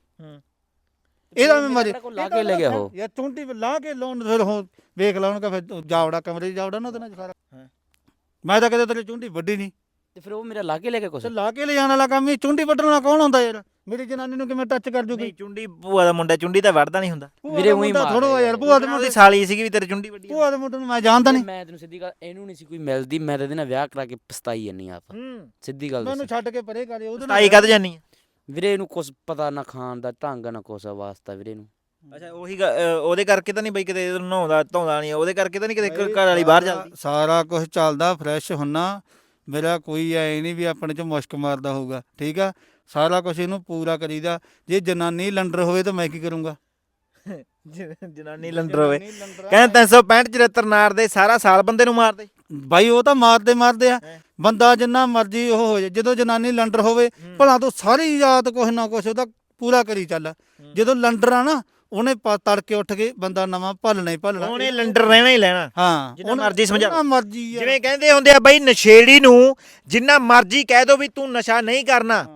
Speaker 1: ਇਹਦਾ ਮੈਂ ਮਾਰੇ
Speaker 3: ਲਾ ਕੇ ਲੈ ਗਿਆ ਉਹ
Speaker 1: ਯਾਰ ਚੁੰਡੀ ਲਾ ਕੇ ਲਾਉਣ ਫਿਰ ਹੋ ਵੇਖ ਲਾ ਉਹਨੂੰ ਕਹ ਫਿਰ ਜਾਵੜਾ ਕਮਰੇ 'ਚ ਜਾਵੜਾ ਨਾ ਉਹਦੇ ਨਾਲ ਸਾਰਾ। ਮੈਂ ਤਾਂ ਕਦੇ ਤੇਰੀ ਚੁੰਡੀ ਵੱਡੀ ਨਹੀਂ,
Speaker 3: ਤੇ ਫਿਰ ਉਹ ਮੇਰਾ ਲਾ ਕੇ ਲੈ ਗਿਆ ਕੁਛ।
Speaker 1: ਤੇ ਲਾ ਕੇ ਲੈ ਜਾਣ ਵਾਲਾ ਕੰਮ ਹੀ, ਚੁੰਡੀ ਵੱਢਣ ਵਾਲਾ ਕੌਣ ਹੁੰਦਾ ਯਾਰ? ਮੇਰੀ ਜਨਾਨੀ ਨੂੰ ਕਿਵੇਂ ਟੱਚ ਕਰ ਜੂਗੀ?
Speaker 2: ਨਹੀਂ ਚੁੰਡੀ ਭੂਆ ਦਾ ਮੁੰਡਾ ਚੁੰਡੀ ਤਾਂ ਵੜਦਾ ਨਹੀਂ ਹੁੰਦਾ
Speaker 3: ਵੀਰੇ ਉਹੀ ਮਾਰ
Speaker 1: ਥੋੜੋ ਯਾਰ, ਭੂਆ ਦੇ
Speaker 2: ਉਹਦੀ
Speaker 1: ਮੁੰਡੇ
Speaker 2: ਸਾਲੀ ਸੀਗੀ ਵੀ ਤੇਰੇ ਚੁੰਡੀ ਵੱਡੀ
Speaker 1: ਭੂਆ ਦੇ ਮੁੰਡੇ ਨੂੰ ਮੈਂ ਜਾਣਦਾ ਨਹੀਂ।
Speaker 3: ਮੈਂ ਤੈਨੂੰ ਸਿੱਧੀ ਗੱਲ, ਇਹਨੂੰ ਨਹੀਂ ਸੀ ਕੋਈ ਮਿਲਦੀ, ਮੈਂ ਤਾਂ ਇਹਦੇ ਨਾਲ ਵਿਆਹ ਕਰਾ ਕੇ ਪਛਤਾਈ ਜੰਨੀ ਆਪ,
Speaker 2: ਹੂੰ
Speaker 3: ਸਿੱਧੀ ਗੱਲ
Speaker 1: ਮੈਨੂੰ
Speaker 3: ਦੱਸ
Speaker 1: ਛੱਡ ਕੇ ਪਰੇ ਕਰੇ ਉਹਦੇ
Speaker 2: ਤਾਈ ਕਦ ਜਾਨੀ ਆ?
Speaker 3: ਵੀਰੇ। ਇਹਨੂੰ ਕੁਛ ਪਤਾ ਨਾ ਖਾਣ ਦਾ ਢੰਗ ਨਾ ਕੁਛ ਵਾਸਤਾ ਵੀਰੇ ਨੂੰ।
Speaker 2: ਅੱਛਾ ਉਹੀ ਗ- ਅ, ਉਹਦੇ ਕਰਕੇ ਤਾਂ ਨਹੀਂ ਬਈ ਕਿਤੇ ਨਹਾਉਂਦਾ ਧੋਂਦਾ ਨਹੀਂ, ਉਹਦੇ ਕਰਕੇ ਤਾਂ ਨਹੀਂ ਕਿਤੇ ਘਰ ਵਾਲੀ ਬਾਹਰ ਜਾਂਦੀ?
Speaker 1: ਸਾਰਾ ਕੁਝ ਚੱਲਦਾ, ਫਰੈਸ਼ ਹੁੰਨਾ, ਮੇਰਾ ਕੋਈ ਐ ਨਹੀਂ ਵੀ ਆਪਣੇ ਚ ਮੁਸ਼ਕ ਮਾਰਦਾ ਹੋਊਗਾ, ਠੀਕ ਆ, ਸਾਰਾ ਕੁਝ ਇਹਨੂੰ ਪੂਰਾ ਕਰੀਦਾ। ਜੇ ਜਨਾਨੀ ਲੰਡਰ ਹੋਵੇ ਤਾਂ ਮੈਂ ਕੀ ਕਰੂੰਗਾ?
Speaker 2: ਜਨਾਨੀ ਲੰਡਰ ਹੋਵੇ, ਕਹਿੰਦੇ ਤਿੰਨ ਸੌ ਪੈਂਹਠ ਚੁਹੱਤਰ ਨਾਰਦੇ ਸਾਰਾ ਸਾਲ ਬੰਦੇ ਨੂੰ ਮਾਰਦੇ
Speaker 1: ਬਾਈ, ਉਹ ਤਾਂ ਮਾਰਦੇ ਮਾਰਦੇ ਆ ਬੰਦਾ ਜਿੰਨਾ ਮਰਜ਼ੀ ਉਹ ਹੋ ਜਾਏ, ਜਦੋਂ ਜਨਾਨੀ ਲੰਡਰ ਹੋਵੇ ਭਲਾ ਤੂੰ ਸਾਰੀ ਰਾਤ ਕੁਛ ਨਾ ਕੁਛ ਉਹਦਾ ਪੂਰਾ ਕਰੀ ਚੱਲ, ਜਦੋਂ ਲੰਡਰ ਆ ਨਾ ਉਹਨੇ ਤੜਕੇ ਉੱਠ ਕੇ ਬੰਦਾ ਨਵਾਂ ਭਲਣਾ ਹੀ ਭਲਣਾ,
Speaker 2: ਉਹਨੇ ਲੰਡਰ ਰਹਿਣਾ ਹੀ ਲੈਣਾ।
Speaker 1: ਹਾਂ
Speaker 2: ਜਿੰਨਾ ਮਰਜ਼ੀ ਸਮਝਾ,
Speaker 1: ਜਿੰਨਾ ਮਰਜ਼ੀ ਯਾਰ।
Speaker 2: ਜਿਵੇਂ ਕਹਿੰਦੇ ਹੁੰਦੇ ਆ ਬਈ ਨਸ਼ੇੜੀ ਨੂੰ ਜਿੰਨਾ ਮਰਜ਼ੀ ਕਹਿ ਦੋ ਵੀ ਤੂੰ ਨਸ਼ਾ ਨਹੀਂ ਕਰਨਾ,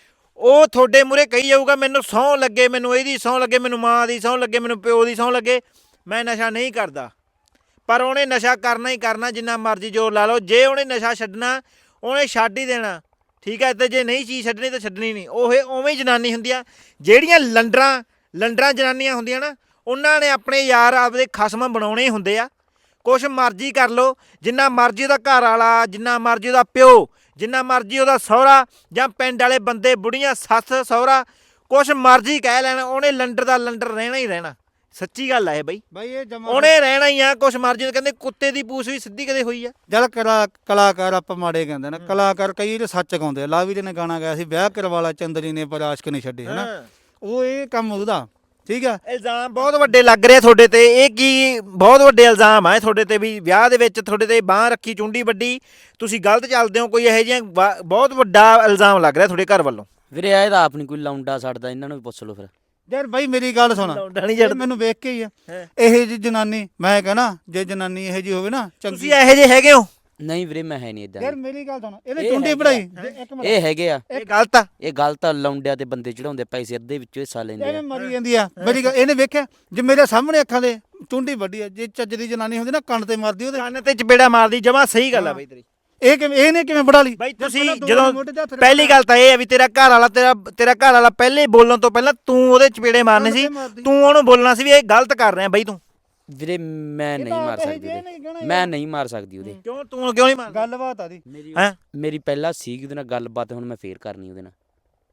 Speaker 2: ਉਹ ਤੁਹਾਡੇ ਮੂਹਰੇ ਕਹੀ ਜਾਊਗਾ ਮੈਨੂੰ ਸਹੁੰ ਲੱਗੇ, ਮੈਨੂੰ ਇਹਦੀ ਸਹੁੰ ਲੱਗੇ, ਮੈਨੂੰ ਮਾਂ ਦੀ ਸਹੁੰ ਲੱਗੇ, ਮੈਨੂੰ ਪਿਓ ਦੀ ਸਹੁੰ ਲੱਗੇ, ਮੈਂ ਨਸ਼ਾ ਨਹੀਂ ਕਰਦਾ। ਪਰ ਉਹਨੇ ਨਸ਼ਾ ਕਰਨਾ ਹੀ ਕਰਨਾ, ਜਿੰਨਾ ਮਰਜ਼ੀ ਜ਼ੋਰ ਲਾ ਲਓ। ਜੇ ਉਹਨੇ ਨਸ਼ਾ ਛੱਡਣਾ ਉਹਨੇ ਛੱਡ ਹੀ ਦੇਣਾ, ਠੀਕ ਹੈ, ਤੇ ਜੇ ਨਹੀਂ ਚੀਜ਼ ਛੱਡਣੀ ਤਾਂ ਛੱਡਣੀ ਨਹੀਂ। ਉਹ ਉਵੇਂ ਹੀ ਜਨਾਨੀ ਹੁੰਦੀ ਆ, ਜਿਹੜੀਆਂ ਲੰਡਰਾਂ ਲੰਡਰਾਂ ਜਨਾਨੀਆਂ ਹੁੰਦੀਆਂ ਨਾ, ਉਹਨਾਂ ਨੇ ਆਪਣੇ ਯਾਰ ਆਪਦੇ ਖਸਮ ਬਣਾਉਣੇ ਹੁੰਦੇ ਆ। ਕੁਛ ਮਰਜ਼ੀ ਕਰ ਲਓ, ਜਿੰਨਾ ਮਰਜ਼ੀ ਉਹਦਾ ਘਰ ਵਾਲਾ, ਜਿੰਨਾ ਮਰਜ਼ੀ ਉਹਦਾ ਪਿਓ, ਜਿੰਨਾ ਮਰਜ਼ੀ ਉਹਦਾ ਸਹੁਰਾ ਜਾਂ ਪਿੰਡ ਵਾਲੇ ਬੰਦੇ, ਬੁੜੀਆਂ, ਸੱਸ ਸਹੁਰਾ, ਕੁਛ ਮਰਜ਼ੀ ਕਹਿ ਲੈਣ, ਉਹਨੇ ਲੰਡਰ ਦਾ ਲੰਡਰ ਰਹਿਣਾ ਹੀ ਰਹਿਣਾ। ਸੱਚੀ ਗੱਲ ਆ ਇਹ ਬਈ,
Speaker 1: ਬਾਈ ਇਹ ਜਮਾ
Speaker 2: ਉਹਨੇ ਰਹਿਣਾ ਹੀ ਆ। ਕੁਛ ਮਰਜ਼ੀ ਕਹਿੰਦੇ ਕੁੱਤੇ ਦੀ ਪੂਛ ਵੀ ਸਿੱਧੀ ਕਦੇ ਹੋਈ ਆ?
Speaker 1: ਜਲ ਕਲਾ ਕਲਾਕਾਰ ਆਪਾਂ ਮਾੜੇ ਕਹਿੰਦੇ ਨੇ, ਕਲਾਕਾਰ ਕਈ ਤੇ ਸੱਚ ਗਾਉਂਦੇ ਆ। ਲਾਵੀ ਨੇ ਗਾਣਾ ਗਾਇਆ ਸੀ, ਵਿਆਹ ਕਰਵਾਲਾ ਚੰਦਰੀ ਨੇ ਪਰ ਆਸ਼ਕ ਨਹੀਂ ਛੱਡੇ, ਹਨਾ, ਉਹ ਇਹ ਕੰਮ ਉਹਦਾ, ਠੀਕ ਆ।
Speaker 2: ਇਲਜ਼ਾਮ ਬਹੁਤ ਵੱਡੇ ਲੱਗ ਰਹੇ ਤੁਹਾਡੇ ਤੇ, ਇਹ ਕੀ ਬਹੁਤ ਵੱਡੇ ਇਲਜ਼ਾਮ ਆ ਤੁਹਾਡੇ ਤੇ ਵੀ ਵਿਆਹ ਦੇ ਵਿੱਚ ਤੁਹਾਡੇ ਤੇ ਬਾਂਹ ਰੱਖੀ, ਚੁੰਡੀ ਵੱਡੀ, ਤੁਸੀਂ ਗਲਤ ਚੱਲਦੇ ਹੋ, ਕੋਈ ਇਹੋ ਜਿਹਾ ਬਹੁਤ ਵੱਡਾ ਇਲਜ਼ਾਮ ਲੱਗ ਰਿਹਾ ਤੁਹਾਡੇ ਘਰ ਵੱਲੋਂ।
Speaker 3: ਵੀਰੇ ਇਹ ਤਾਂ ਆਪ ਨਹੀਂ ਕੋਈ ਲਾਉਂਡਾ ਛੱਡਦਾ, ਇਹਨਾਂ ਨੂੰ ਵੀ ਪੁੱਛ ਲਓ ਫਿਰ।
Speaker 1: ਯਾਰ ਬਾਈ ਮੇਰੀ ਗੱਲ ਸੁਣ, ਇਹ ਮੈਨੂੰ ਵੇਖ ਕੇ ਹੀ ਆ ਇਹ ਜੀ ਜਨਾਨੀ, ਮੈਂ ਕਹਣਾ ਜੇ ਜਨਾਨੀ ਇਹੋ ਜੀ ਹੋਵੇ ਨਾ ਚੰਗੀ।
Speaker 2: ਤੁਸੀਂ ਇਹੋ ਜਿਹੇ ਹੈਗੇ ਹੋ?
Speaker 3: ਨਹੀਂ ਵੀਰੇ ਮੈਂ ਹੈ ਨਹੀਂ ਇਦਾਂ।
Speaker 1: ਯਾਰ ਮੇਰੀ ਗੱਲ ਸੁਣ, ਇਹਨੇ ਚੁੰਡੀ ਪੜਾਈ, ਇੱਕ ਮਿੰਟ,
Speaker 3: ਇਹ ਹੈਗੇ ਆ,
Speaker 2: ਇਹ ਗਲਤ ਆ,
Speaker 3: ਇਹ ਗਲਤ ਆ। ਲਾਉਂਡਿਆਂ ਤੇ ਬੰਦੇ ਚੜਾਉਂਦੇ ਪੈਸੇ, ਅੱਧੇ ਵਿੱਚੋਂ ਹਿੱਸਾ ਲੈਂਦੇ
Speaker 1: ਇਹਨੇ
Speaker 3: ਆ।
Speaker 1: ਮਰੀ ਜਾਂਦੀ ਆ। ਮੇਰੀ ਗੱਲ ਇਹਨੇ ਵੇਖਿਆ, ਜੇ ਮੇਰੇ ਸਾਹਮਣੇ ਅੱਖਾਂ ਦੇ ਚੁੰਡੀ ਵੱਡੀ ਆ, ਜੇ ਚੱਜ ਦੀ ਜਨਾਨੀ ਹੁੰਦੀ ਨਾ ਕੰਨ ਤੇ ਮਾਰਦੀ ਉਹਦੇ।
Speaker 2: ਕੰਨ ਤੇ ਚਪੇੜਾ ਮਾਰਦੀ, ਜਮਾ ਸਹੀ ਗੱਲ ਆ ਬਈ ਤੇਰੀ।
Speaker 1: ਇਹ ਕਿਵੇਂ, ਇਹਨੇ ਕਿਵੇਂ ਬੜਾ ਲਈ
Speaker 2: ਬਾਈ ਤੁਸੀਂ ਜਦੋਂ ਪਹਿਲੀ ਗੱਲ ਤਾਂ ਇਹ ਹੈ ਵੀ ਤੇਰਾ ਘਰ ਵਾਲਾ ਤੇਰਾ ਤੇਰਾ ਘਰ ਵਾਲਾ ਪਹਿਲੇ ਬੋਲਣ ਤੋਂ ਪਹਿਲਾਂ ਤੂੰ ਉਹਦੇ ਚਪੇੜੇ ਮਾਰਨੇ ਸੀ, ਤੂੰ ਉਹਨੂੰ ਬੋਲਣਾ ਸੀ ਵੀ ਇਹ ਗਲਤ ਕਰ ਰਿਹਾ ਬਈ ਤੂੰ।
Speaker 3: ਵੀਰੇ ਮੈਂ ਨਹੀਂ ਮਾਰ ਸਕਦੀ ਉਹਦੇ, ਮੈਂ ਨਹੀਂ ਮਾਰ ਸਕਦੀ ਉਹਦੇ।
Speaker 2: ਕਿਉਂ ਤੂੰ ਕਿਉਂ ਨਹੀਂ ਮਾਰਦਾ?
Speaker 1: ਗੱਲਬਾਤ ਆ ਦੀ
Speaker 3: ਮੇਰੀ
Speaker 2: ਹੈਂ?
Speaker 3: ਮੇਰੀ ਪਹਿਲਾਂ ਸੀਗੀ ਉਹਦੇ ਨਾਲ ਗੱਲਬਾਤ, ਹੁਣ ਮੈਂ ਫੇਰ ਕਰਨੀ ਉਹਦੇ ਨਾਲ।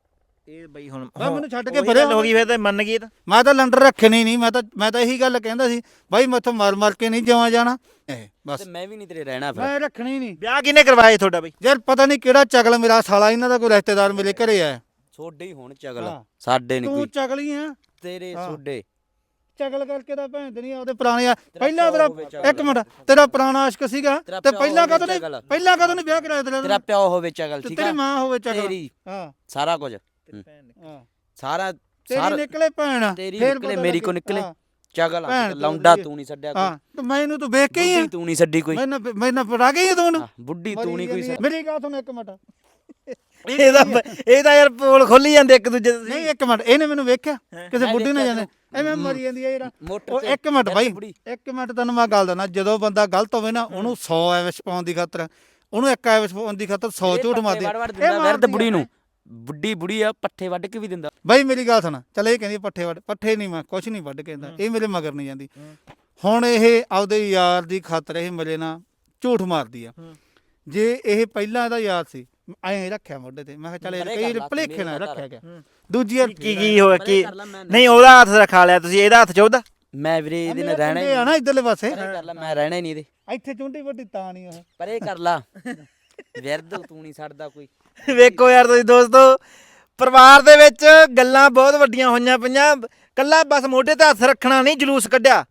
Speaker 2: ਇਹ ਬਈ ਹੁਣ
Speaker 1: ਬਸ ਮੈਨੂੰ ਛੱਡ ਕੇ
Speaker 2: ਉਹੀ
Speaker 1: ਪਰੇ
Speaker 2: ਗੱਲ ਹੋ ਗਈ ਫਿਰ ਤੇ ਮੰਨ ਗਈ ਇਹ ਤਾਂ
Speaker 1: ਮੈਂ ਤਾਂ ਲੰਡਰ ਰੱਖਣੀ ਨਹੀਂ, ਮੈਂ ਤਾਂ ਮੈਂ ਤਾਂ ਇਹੀ ਗੱਲ ਕਹਿੰਦਾ ਸੀ ਬਾਈ ਮੈਥੋਂ ਮਰ ਮਰ ਕੇ ਨਹੀਂ ਜਵਾ ਜਾਣਾ ਇਹ ਬਸ।
Speaker 3: ਤੇ ਮੈਂ ਵੀ ਨਹੀਂ ਤੇਰੇ ਰਹਿਣਾ ਫਿਰ।
Speaker 1: ਮੈਂ ਰੱਖਣੀ ਨਹੀਂ
Speaker 2: ਵਿਆਹ ਕਿਹਨੇ ਕਰਵਾਇਆ ਤੁਹਾਡਾ ਬਈ?
Speaker 1: ਯਾਰ ਪਤਾ ਨਹੀਂ ਕਿਹੜਾ ਚਗਲ ਮੇਰਾ ਸਾਲਾ ਇਹਨਾਂ ਦਾ ਕੋਈ ਰਿਸ਼ਤੇਦਾਰ ਮੇਰੇ ਘਰੇ ਆਇਆ।
Speaker 3: ਛੋਡੇ ਹੀ ਹੋਣ ਚਗਲ,
Speaker 1: ਹਾਂ।
Speaker 3: ਸਾਡੇ ਨਹੀਂ
Speaker 1: ਤੂੰ
Speaker 3: ਕੋਈ।
Speaker 1: ਚਗਲੀ ਆ
Speaker 3: ਤੇਰੇ
Speaker 1: ਹਾਂ।
Speaker 3: ਛੋਡੇ
Speaker 1: ਚਗਲ ਕਰਕੇ ਤਾਂ ਭੈਣ ਤੇ ਨਹੀਂ ਉਹਦੇ ਪੁਰਾਣੇ ਆ ਪਹਿਲਾਂ
Speaker 3: ਪਿਓ
Speaker 1: ਤੇਰਾ
Speaker 3: ਹੋਵੇ ਚਗਲ।
Speaker 1: ਇੱਕ ਮਿੰਟ ਤੇਰਾ ਪੁਰਾਣਾ ਆਸ਼ਕ ਸੀਗਾ
Speaker 3: ਤੇਰਾ
Speaker 1: ਤੇ
Speaker 3: ਪਿਓ
Speaker 1: ਪਹਿਲਾਂ
Speaker 3: ਹੋਵੇ
Speaker 1: ਕਦੋਂ ਨਹੀਂ
Speaker 3: ਚਗਲ।
Speaker 1: ਪਹਿਲਾਂ ਕਦੋਂ ਨਹੀਂ ਵਿਆਹ ਕਰਾਇਆ ਤੇਰਾ
Speaker 3: ਤੇਰਾ ਪਿਓ ਹੋਵੇ ਚਗਲ,
Speaker 1: ਤੇ
Speaker 3: ਠੀਕ
Speaker 1: ਤੇਰੀ
Speaker 3: ਆ,
Speaker 1: ਮਾਂ ਹੋਵੇ ਚਗਲ।
Speaker 3: ਤੇਰੀ
Speaker 1: ਹਾਂ
Speaker 3: ਸਾਰਾ ਕੁਝ
Speaker 1: ਹਾਂ
Speaker 3: ਸਾਰਾ
Speaker 1: ਤੇਰੀ
Speaker 3: ਸਾਰਾ
Speaker 1: ਨਿਕਲੇ ਭੈਣ
Speaker 3: ਤੇਰੀ
Speaker 1: ਫੇਰ
Speaker 3: ਨਿਕਲੇ,
Speaker 1: ਪਤਾ
Speaker 3: ਮੇਰੀ
Speaker 1: ਲੱਗੇ।
Speaker 3: ਕੋ ਨਿਕਲੇ।
Speaker 1: ਹਾਂ,
Speaker 3: ਚਗਲ
Speaker 1: ਭੈਣ
Speaker 3: ਆ,
Speaker 1: ਤੋਂ
Speaker 3: ਲੌਂਡਾ
Speaker 1: ਵਧੀਆ।
Speaker 3: ਤੂੰ ਨਹੀਂ ਛੱਡਿਆ
Speaker 1: ਹਾਂ
Speaker 3: ਕੋਈ,
Speaker 1: ਤੇ ਮੈਨੂੰ ਤੂੰ ਵੇਖ ਕੇ ਹੀ ਆ
Speaker 3: ਬੁੱਢੀ ਤੂੰ ਨਹੀਂ ਛੱਡੀ ਕੋਈ,
Speaker 1: ਮੈਨੂੰ ਮੈਨੂੰ ਪੜਾ ਗਈ ਆ ਤੂੰ
Speaker 3: ਹਾਂ, ਬੁੱਢੀ ਤੂੰ ਨਹੀਂ ਕੋਈ ਛੱਡੀ।
Speaker 1: ਮੇਰੀ ਗੱਲ ਸੁਣ ਇੱਕ ਮਿੰਟ
Speaker 2: ਇਹਦਾ ਇਹਦਾ ਯਾਰ ਪੋਲ ਖੋਲੀ ਜਾਂਦੇ ਇੱਕ ਦੂਜੇ ਦੇ।
Speaker 1: ਨਹੀਂ ਇੱਕ ਮਿੰਟ ਇਹਨੇ ਮੈਨੂੰ ਵੇਖਿਆ ਕਿਸੇ
Speaker 3: ਮੈਂ
Speaker 1: ਬੁੱਢੀ ਨਾਲ
Speaker 3: ਵੇਖਿਆ
Speaker 1: ਜਾਂਦੇ ਐਵੇਂ ਮਰੀ ਜਾਂਦੀ ਹੈ ਯਾਰ।
Speaker 3: ਮੋਟਰ
Speaker 1: ਉਹ
Speaker 3: ਤੇ
Speaker 1: ਇੱਕ ਮਿੰਟ ਬਾਈ
Speaker 3: ਬੁੜੀ।
Speaker 1: ਇੱਕ ਮਿੰਟ ਤੈਨੂੰ ਮੈਂ ਗੱਲ ਦੱਸਣਾ, ਜਦੋਂ ਬੰਦਾ ਗਲਤ ਹੋਵੇ ਨਾ ਉਹਨੂੰ ਸੌ ਐਵਿਸ਼ ਪਾਉਣ ਦੀ ਖਾਤਰ ਉਹਨੂੰ ਇੱਕ ਐਵਿਸ਼ ਪਾਉਣ ਦੀ ਖਾਤਰ ਸੌ ਝੂਠ ਮਾਰਦੀ
Speaker 3: ਵੜ ਵੜ ਦਿੰਦਾ ਵਿਰਦ ਬੁੜੀ ਨੂੰ, ਬੁੱਢੀ ਬੁੜੀ ਆ ਪੱਠੇ ਵੱਢ ਕੇ ਵੀ ਦਿੰਦਾ।
Speaker 1: ਬਾਈ ਮੇਰੀ ਗੱਲ ਸੁਣ ਚੱਲ ਇਹ ਕਹਿੰਦੀ ਪੱਠੇ ਵੱਢ ਪੱਠੇ ਨਹੀਂ ਮੈਂ ਕੁਛ ਨਹੀਂ ਵੱਢ ਕੇ ਦਿੰਦਾ, ਇਹ ਮੇਰੇ ਮਗਰ ਨਹੀਂ ਜਾਂਦੀ। ਹੁਣ ਇਹ ਆਪਦੇ ਯਾਰ ਦੀ ਖਾਤਰ ਇਹ ਮੇਰੇ ਨਾਲ ਝੂਠ ਮਾਰਦੀ ਆ। ਜੇ ਇਹ ਪਹਿਲਾਂ ਇਹਦਾ ਯਾਰ ਸੀ ਐਂ ਰੱਖਿਆ ਮੋਢੇ ਤੇ, ਮੈਂ ਕਿਹਾ ਚੱਲ
Speaker 3: ਪਰੇ
Speaker 1: ਇਹ
Speaker 3: ਕਰ
Speaker 1: ਕਈ
Speaker 3: ਲਾ,
Speaker 1: ਭਲੇਖੇ ਨਾਲ
Speaker 3: ਮੇਰੇ
Speaker 1: ਰੱਖਿਆ
Speaker 3: ਨਾਲ
Speaker 1: ਗਿਆ। ਦੂਜੀ ਵਾਰ
Speaker 2: ਕੀ ਕੀ ਹੋਇਆ ਕੀ?
Speaker 3: ਕਰ ਲਾ, ਮੈਂ
Speaker 2: ਨਹੀਂ ਉਹਦਾ ਹੱਥ ਰਖਾ ਲਿਆ ਤੁਸੀਂ, ਇਹਦਾ ਹੱਥ ਚ ਉਹਦਾ।
Speaker 3: ਮੈਂ ਵੀਰੇ ਇਹਦੇ ਨਾਲ ਰਹਿਣਾ ਹੀ
Speaker 1: ਆ ਨਾ ਇਧਰਲੇ ਪਾਸੇ
Speaker 3: ਪਰੇ ਕਰ ਲਾ, ਮੈਂ ਰਹਿਣਾ ਹੀ ਨਹੀਂ ਇਹਦੇ,
Speaker 1: ਇੱਥੇ ਚੁੰਡੀ ਵੱਡੀ ਤਾਂ ਨਹੀਂ ਉਹ
Speaker 3: ਪਰੇ ਕਰ ਲਾ। ਵਿਰਦ ਤੂੰ ਨਹੀਂ ਛੱਡਦਾ ਕੋਈ।
Speaker 2: ਵੇਖੋ ਯਾਰ ਤੁਸੀਂ ਦੋਸਤੋ, ਪਰਿਵਾਰ ਦੇ ਵਿੱਚ ਗੱਲਾਂ ਬਹੁਤ ਵੱਡੀਆਂ ਹੋਈਆਂ ਪਈਆਂ। ਕੱਲਾ ਬਸ ਮੋਢੇ ਤੇ ਹੱਥ ਰੱਖਣਾ ਨਹੀਂ ਜਲੂਸ ਕੱਢਿਆ,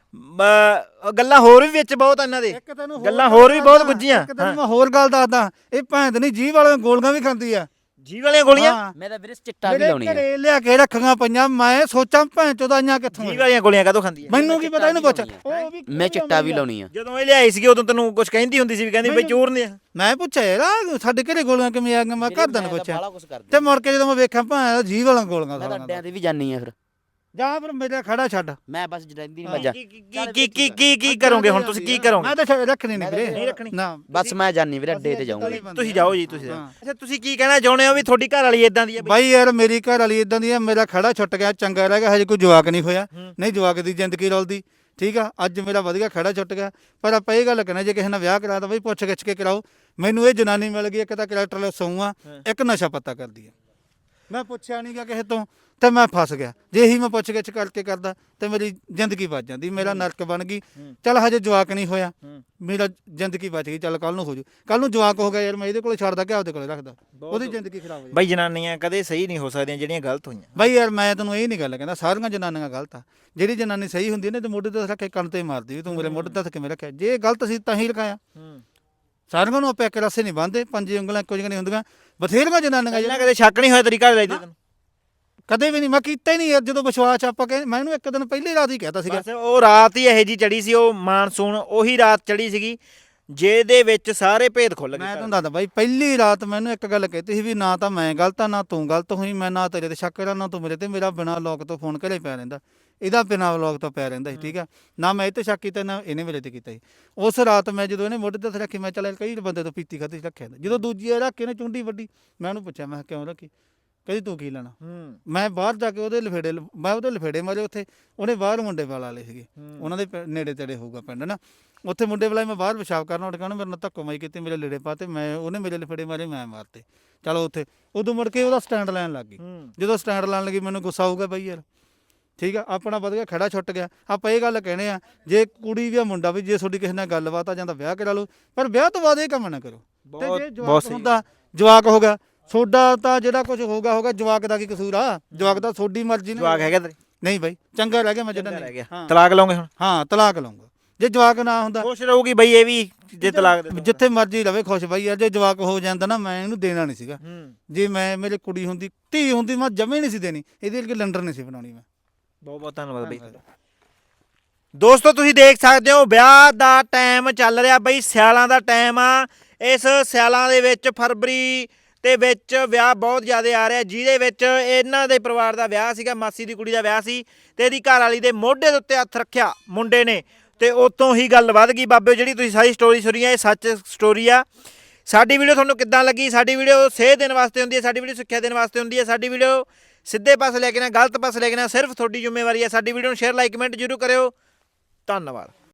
Speaker 2: ਬ- ਗੱਲਾਂ ਹੋਰ ਵੀ ਵਿੱਚ ਬਹੁਤ ਇਹਨਾਂ ਦੇ,
Speaker 1: ਇੱਕ ਤੈਨੂੰ
Speaker 2: ਗੱਲਾਂ ਹੋਰ ਵੀ ਬਹੁਤ ਗੁੱਝੀਆਂ।
Speaker 1: ਇੱਕ ਤੈਨੂੰ ਮੈਂ ਹੋਰ ਗੱਲ ਦੱਸਦਾ, ਇਹ ਭੈਣ ਨਹੀਂ ਜੀਭ ਵਾਲੀਆਂ ਗੋਲੀਆਂ ਵੀ ਖਾਂਦੀ ਆ।
Speaker 2: ਜੀ ਵਾਲੀਆਂ ਗੋਲੀਆਂ?
Speaker 1: ਹਾਂ।
Speaker 3: ਮੈਂ ਤਾਂ ਵੀਰੇ ਚਿੱਟਾ ਵੀ
Speaker 1: ਮੇਰੇ
Speaker 3: ਲਾਉਣੀ ਆ।
Speaker 1: ਘਰੇ ਲਿਆ ਕੇ ਰੱਖੀਆਂ ਪਈਆਂ, ਮੈਂ ਸੋਚਾਂ ਭੈਣ ਚੋਦਾਈਆਂ ਕਿੱਥੋਂ
Speaker 2: ਜੀ
Speaker 1: ਆ।
Speaker 2: ਵਾਲੀਆਂ ਗੋਲੀਆਂ ਕਾਹਤੋਂ ਖਾਂਦੀ ਹੈ?
Speaker 1: ਮੈਨੂੰ ਕੀ ਪਤਾ ਇਹਨੂੰ ਪੁੱਛ।
Speaker 3: ਚਿੱਟਾ
Speaker 1: ਉਹ ਵੀ
Speaker 3: ਮੈਂ ਚਿੱਟਾ ਵੀ ਲਾਉਣੀ ਆ।
Speaker 2: ਜਦੋਂ ਇਹ ਲਿਆਈ ਸੀਗੀ ਉਦੋਂ ਤੈਨੂੰ ਕੁਝ ਕਹਿੰਦੀ ਹੁੰਦੀ ਸੀ ਵੀ ਕਹਿੰਦੀ ਬਈ ਚੋਰ ਨੇ।
Speaker 1: ਮੈਂ ਪੁੱਛਿਆ ਯਾਰ ਆਹ ਸਾਡੇ ਘਰੇ ਗੋਲੀਆਂ ਕਿਵੇਂ ਆ ਗਈਆਂ, ਮੈਂ ਘਰਦਿਆਂ ਨੂੰ ਪੁੱਛਿਆ
Speaker 3: ਬਾਲਾ ਕੁਝ ਕਰਦਾ
Speaker 1: ਤੇ ਮੁੜ ਕੇ ਜਦੋਂ ਮੈਂ ਵੇਖਿਆ ਭੈਣ ਜੀਭ ਵਾਲੀਆਂ ਗੋਲੀਆਂ
Speaker 3: ਮੈਂ ਤਾਂ
Speaker 1: ਸਾਲੀਆਂ
Speaker 3: ਅੱਡਿਆਂ ਤੇ ਵੀ ਜਾਨੀ ਆ ਫਿਰ।
Speaker 1: ਜਾਂ ਫਿਰ ਮੇਰਾ ਖੜਾ ਛੱਡ।
Speaker 3: ਮੈਂ ਬਸ ਰਹਿੰਦੀ ਨਹੀਂ ਮੱਜਾ।
Speaker 2: ਕੀ ਕੀ ਕੀ ਕੀ ਕੀ ਕਰੋਗੇ ਹੁਣ ਤੁਸੀਂ? ਕੀ ਕਰੋਗੇ?
Speaker 1: ਮੈਂ ਤਾਂ ਛੱਡ- ਰੱਖਣੀ ਨਹੀਂ ਵੀਰੇ,
Speaker 2: ਨਹੀਂ ਰੱਖਣੀ
Speaker 1: ਨਾ
Speaker 3: ਬਸ ਮੈਂ ਜਾਨੀ ਵੀਰੇ ਅੱਡੇ ਤੇ ਜਾਊਂਗਾ।
Speaker 2: ਤੁਸੀਂ ਜਾਓ ਜੀ, ਤੁਸੀਂ ਜਾਓ।
Speaker 1: ਹਾਂ।
Speaker 2: ਅੱਛਾ ਤੁਸੀਂ ਕੀ ਕਹਿਣਾ ਚਾਹੁੰਦੇ ਹੋ ਵੀ ਤੁਹਾਡੀ ਘਰ ਵਾਲੀ ਇਦਾਂ ਦੀ ਹੈ ਬਈ?
Speaker 1: ਬਾਈ ਯਾਰ ਮੇਰੀ ਘਰ ਵਾਲੀ ਇਦਾਂ ਦੀ ਆ, ਮੇਰਾ ਖੜਾ ਛੁੱਟ ਗਿਆ, ਚੰਗਾ ਰਹਿ ਗਿਆ, ਹਜੇ ਕੋਈ ਜਵਾਕ ਨਹੀਂ ਹੋਇਆ।
Speaker 2: ਹੂੰ।
Speaker 1: ਨਹੀਂ ਜਵਾਕ ਦੀ ਜ਼ਿੰਦਗੀ ਰੋਲਦੀ, ਠੀਕ ਆ। ਅੱਜ ਮੇਰਾ ਵਧੀਆ ਖੜਾ ਛੁੱਟ ਗਿਆ, ਪਰ ਆਪਾਂ ਇਹ ਗੱਲ ਕਹਿਣਾ ਜੇ ਕਿਸੇ ਨਾਲ ਵਿਆਹ ਕਰਾ ਤਾਂ ਬਈ ਪੁੱਛ ਗਿੱਛ ਕੇ ਕਰਾਓ। ਮੈਨੂੰ ਇਹ ਜਨਾਨੀ ਮਿਲ ਗਈ, ਇੱਕ ਤਾਂ ਕਰੈਕਟਰ ਸੌਂ ਆ, ਇੱਕ ਨਸ਼ਾ ਪੱਤਾ ਕਰਦੀ ਆ। ਮੈਂ ਪੁੱਛਿਆ ਨਹੀਂ ਗਾ ਕਿਸੇ ਤੋਂ ਤੇ ਮੈਂ ਫਸ ਗਿਆ। ਜੇ ਇਹੀ ਮੈਂ ਪੁੱਛ ਗਿੱਛ ਕਰਕੇ ਕਰਦਾ ਤੇ ਮੇਰੀ ਜ਼ਿੰਦਗੀ ਬਚ ਜਾਂਦੀ, ਮੇਰਾ ਨਰਕ ਬਣ ਗਈ। ਚੱਲ ਹਜੇ ਜਵਾਕ ਨਹੀਂ ਹੋਇਆ, ਮੇਰਾ ਜ਼ਿੰਦਗੀ ਬਚ ਗਈ। ਚੱਲ ਕੱਲ ਨੂੰ ਹੋ ਜੂ, ਕੱਲ ਨੂੰ ਜਵਾਕ ਹੋ ਗਿਆ ਯਾਰ ਮੈਂ ਇਹਦੇ ਕੋਲੇ ਛੱਡਦਾ ਕਿ ਆਪਦੇ ਕੋਲੇ ਰੱਖਦਾ, ਉਹਦੀ ਜ਼ਿੰਦਗੀ ਖਰਾਬ ਹੋ ਜਾਏ।
Speaker 2: ਬਈ ਜਨਾਨੀਆਂ ਕਦੇ ਸਹੀ ਨਹੀਂ ਹੋ ਸਕਦੀਆਂ ਜਿਹੜੀਆਂ ਗਲਤ ਹੋਈਆਂ।
Speaker 1: ਬਾਈ ਯਾਰ ਮੈਂ ਤੈਨੂੰ ਇਹ ਨਹੀਂ ਗੱਲ ਕਹਿੰਦਾ ਸਾਰੀਆਂ ਜਨਾਨੀਆਂ ਗਲਤ ਆ। ਜਿਹੜੀ ਜਨਾਨੀ ਸਹੀ ਹੁੰਦੀ ਨੇ ਤੇ ਮੋਢੇ ਤੇ ਰੱਖ ਕੇ ਕੰਨ ਤੇ ਮਾਰਦੀ ਵੀ ਤੂੰ ਮੇਰੇ ਮੋਢੇ ਤੇ ਹੱਥ ਕਿਵੇਂ ਰੱਖਿਆ। ਜੇ ਗਲਤ ਸੀ ਤਾਂ ਹੀ ਰਖਾਇਆ। ਸਾਰਿਆਂ ਨੂੰ ਆਪਾਂ ਇੱਕ ਰਸੇ ਨਹੀਂ ਬੰਨਦੇ, ਪੰਜੇ ਉਂਗਲਾਂ ਇੱਕੋ ਜਿਹੀਆਂ ਨਹੀਂ ਹੁੰਦੀਆਂ। ਬਥੇਰੀਆਂ ਜਨਾਨੀਆਂ
Speaker 2: ਪਹਿਲਾਂ
Speaker 1: ਜਿਹੜੀਆਂ
Speaker 2: ਕਦੇ ਸ਼ੱਕ ਨਹੀਂ ਹੋਇਆ ਤੇਰੀ ਘਰ ਵਾਲੀ ਤੇ ਤੈਨੂੰ?
Speaker 1: ਕਦੇ ਵੀ ਨਹੀਂ ਮੈਂ ਕੀਤਾ ਹੀ ਨਹੀਂ ਯਾਰ। ਜਦੋਂ ਵਿਸ਼ਵਾਸ ਆਪਾਂ ਕਹੇ, ਮੈਂ ਇਹਨੂੰ ਇੱਕ ਦਿਨ ਪਹਿਲੀ ਰਾਤ ਹੀ ਕਹਿਤਾ ਸੀਗਾ।
Speaker 2: ਬਸ ਉਹ ਰਾਤ ਹੀ ਇਹੋ ਜੀ ਚੜੀ ਸੀ, ਉਹ ਮਾਨਸੂਨ ਉਹੀ ਰਾਤ ਚੜੀ ਸੀਗੀ ਜਿਹਦੇ ਵਿੱਚ ਸਾਰੇ ਭੇਦ ਖੁੱਲ ਗਏ।
Speaker 1: ਮੈਂ ਤੁਹਾਨੂੰ ਦੱਸਦਾ ਬਾਈ, ਪਹਿਲੀ ਰਾਤ ਮੈਨੂੰ ਇੱਕ ਗੱਲ ਕਹਿਤੀ ਸੀ ਵੀ ਨਾ ਤਾਂ ਮੈਂ ਗਲਤ ਆ ਨਾ ਤੂੰ ਗਲਤ ਹੋਈ। ਮੈਂ ਨਾ ਤੇਰੇ ਤੇ ਸ਼ੱਕ ਕਰਾਂ ਨਾ ਤੂੰ ਮੇਰੇ ਤੇ। ਮੇਰਾ ਬਿਨਾਂ ਲੋਕ ਤੋਂ ਫੋਨ ਘਰੇ ਪਿਆ ਰਹਿੰਦਾ, ਇਹਦਾ ਬਿਨਾਂ ਲੋਕ ਤੋਂ ਪਿਆ ਰਹਿੰਦਾ ਸੀ, ਠੀਕ ਆ ਨਾ। ਮੈਂ ਇਹ ਤੇ ਸ਼ੱਕ ਕੀਤਾ ਨਾ ਇਹਨੇ ਮੇਰੇ ਤੇ ਕੀਤਾ ਸੀ। ਉਸ ਰਾਤ ਮੈਂ ਜਦੋਂ ਇਹਨੇ ਮੋਢੇ ਤੇ ਰੱਖੀ, ਮੈਂ ਚੱਲ ਕਈ ਬੰਦੇ ਤੋਂ ਪੀਤੀ ਖਾਧੀ ਰੱਖਿਆ। ਜਦੋਂ ਦੂਜੀ ਰੱਖ ਕੇ ਇਹਨੇ ਚੁੰਡੀ ਵੱਡੀ, ਮੈਂ ਉਹਨੂੰ ਪੁੱਛਿਆ ਮੈਂ ਕਿਉਂ ਰੱਖੀ? ਕਹਿੰਦੀ ਤੂੰ ਕੀ ਲੈਣਾ? ਮੈਂ ਬਾਹਰ ਜਾ ਕੇ ਉਹਦੇ ਲਫੇੜੇ ਮੈਂ ਉਹਦੇ ਲਫੇੜੇ ਮਾਰੇ ਉੱਥੇ। ਉਹਨੇ ਬਾਹਰ ਮੁੰਡੇ ਵਾਲਾ ਵਾਲੇ ਸੀਗੇ, ਉਹਨਾਂ ਦੇ ਪਿੰ- ਨੇੜੇ ਤੇੜੇ ਹੋਊਗਾ ਪਿੰਡ ਨਾ। ਉੱਥੇ ਮੁੰਡੇ ਵਾਲਾ ਮੈਂ ਬਾਹਰ ਪਿਸ਼ਾਬ ਕਰਨਾ, ਉੱਠ ਕੇ ਉਹਨੇ ਮੇਰੇ ਨਾਲ ਧੱਕੋ ਮਾਈ ਕੀਤੀ, ਮੇਰੇ ਲੀੜੇ ਪਾਤੇ, ਮੈਂ ਉਹਨੇ ਮੇਰੇ ਲਫੇੜੇ ਮਾਰੇ, ਮੈਂ ਮਾਰਤੇ। ਚਲੋ ਉੱਥੇ ਉਦੋਂ ਮੁੜ ਕੇ ਉਹਦਾ ਸਟੈਂਡ ਲੈਣ ਲੱਗ ਗਈ। ਜਦੋਂ ਸਟੈਂਡ ਲੈਣ ਲੱਗੀ ਮੈਨੂੰ ਗੁੱਸਾ ਆਊਗਾ ਬਾਈ ਯਾਰ, ਠੀਕ ਆ। ਆਪਣਾ ਵਧੀਆ ਖੜਾ ਛੁੱਟ ਗਿਆ। ਆਪਾਂ ਇਹ ਗੱਲ ਕਹਿੰਦੇ ਆ ਜੇ ਕੁੜੀ ਵੀ ਆ ਮੁੰਡਾ ਵੀ, ਜੇ ਤੁਹਾਡੀ ਕਿਸੇ ਨਾਲ ਗੱਲਬਾਤ ਆ ਜਾਂਦਾ ਵਿਆਹ ਕਰਾ ਲਓ, ਪਰ ਵਿਆਹ ਤੋਂ ਬਾਅਦ ਇਹ ਕੰਮ ਨਾ ਕਰੋ। ਤੇ ਜੇ ਜਵਾਕ ਹੁੰਦਾ ਜਵਾਕ ਹੋ ਗਿਆ ਤੁਹਾਡਾ ਤਾਂ ਜਿਹੜਾ ਕੁਝ ਹੋਗਾ ਹੋਗਾ, ਜਵਾਕ ਦਾ ਕੀ ਕਸੂਰ ਆ? ਜਵਾਕ ਦਾ ਤੁਹਾਡੀ ਮਰਜ਼ੀ ਨਾਲ।
Speaker 2: ਜਵਾਕ ਹੈਗਾ ਤੇਰੇ?
Speaker 1: ਨਹੀਂ ਬਾਈ ਚੰਗਾ ਰਹਿ ਗਿਆ ਮੈਂ ਜਿਹੜਾ
Speaker 2: ਰਹਿ ਗਿਆ।
Speaker 1: ਹਾਂ
Speaker 2: ਤਲਾਕ ਲਓਗੇ ਹੁਣ?
Speaker 1: ਹਾਂ ਤਲਾਕ ਲਊਂਗਾ। ਜੇ ਜਵਾਕ ਨਾ ਹੁੰਦਾ
Speaker 2: ਖੁਸ਼ ਰਹੂਗੀ ਬਈ ਇਹ ਵੀ ਜੇ ਤਲਾਕ ਦੇ?
Speaker 1: ਜਿੱਥੇ ਮਰਜ਼ੀ ਰਵੇ ਖੁਸ਼ ਬਾਈ ਯਾਰ। ਜੇ ਜਵਾਕ ਹੋ ਜਾਂਦਾ ਨਾ ਮੈਂ ਇਹਨੂੰ ਦੇਣਾ ਨਹੀਂ ਸੀਗਾ।
Speaker 2: ਹੂੰ
Speaker 1: ਜੇ ਮੈਂ ਮੇਰੇ ਕੁੜੀ ਹੁੰਦੀ ਧੀ ਹੁੰਦੀ ਮੈਂ ਜਮੇ ਨਹੀਂ ਸੀ ਦੇਣੀ, ਇਹਦੇ ਲਈ ਲੰਡਰ ਨਹੀਂ ਸੀ ਬਣਾਉਣੀ ਮੈਂ।
Speaker 2: ਬਹੁਤ ਬਹੁਤ ਧੰਨਵਾਦ ਬਈ। ਦੋਸਤੋ ਤੁਸੀਂ ਦੇਖ ਸਕਦੇ ਹੋ ਵਿਆਹ ਦਾ ਟਾਈਮ ਚੱਲ ਰਿਹਾ ਬਈ, ਸਿਆਲਾਂ ਦਾ ਟਾਈਮ ਆ। ਇਸ ਸਿਆਲਾਂ ਦੇ ਵਿੱਚ ਫਰਵਰੀ ਤੇ ਵਿੱਚ ਵਿਆਹ ਬਹੁਤ ਜ਼ਿਆਦਾ ਆ ਰਿਹਾ, ਜਿਹਦੇ ਵਿੱਚ ਇਹਨਾਂ ਦੇ ਪਰਿਵਾਰ ਦਾ ਵਿਆਹ ਸੀਗਾ, ਮਾਸੀ ਦੀ ਕੁੜੀ ਦਾ ਵਿਆਹ ਸੀ ਤੇ ਇਹਦੀ ਘਰ ਵਾਲੀ ਦੇ ਮੋਢੇ ਦੇ ਉੱਤੇ ਹੱਥ ਰੱਖਿਆ ਮੁੰਡੇ ਨੇ ਤੇ ਉਤੋਂ ਹੀ ਗੱਲ ਵੱਧ ਗਈ। ਬਾਬੇ ਜਿਹੜੀ ਤੁਸੀਂ ਸਾਰੀ ਸਟੋਰੀ ਸੁਣੀ ਹੈ ਇਹ ਸੱਚ ਸਟੋਰੀ ਆ। ਸਾਡੀ ਵੀਡੀਓ ਤੁਹਾਨੂੰ ਕਿੱਦਾਂ ਲੱਗੀ? ਸਾਡੀ ਵੀਡੀਓ ਸੇਧ ਦੇਣ ਵਾਸਤੇ ਹੁੰਦੀ ਹੈ, ਸਾਡੀ ਵੀਡੀਓ ਸਿੱਖਿਆ ਦੇਣ ਵਾਸਤੇ ਹੁੰਦੀ ਹੈ। ਸਾਡੀ ਵੀਡੀਓ ਸਿੱਧੇ ਪਾਸੇ ਲੈ ਕੇ ਨਾ ਗਲਤ ਪਾਸੇ ਲੈ ਕੇ ਨਾ ਸਿਰਫ ਤੁਹਾਡੀ ਜ਼ਿੰਮੇਵਾਰੀ ਹੈ। ਸਾਡੀ ਵੀਡੀਓ ਨੂੰ ਸ਼ੇਅਰ ਲਾਈਕ ਕਮੈਂਟ ਜ਼ਰੂਰ ਕਰਿਓ। ਧੰਨਵਾਦ।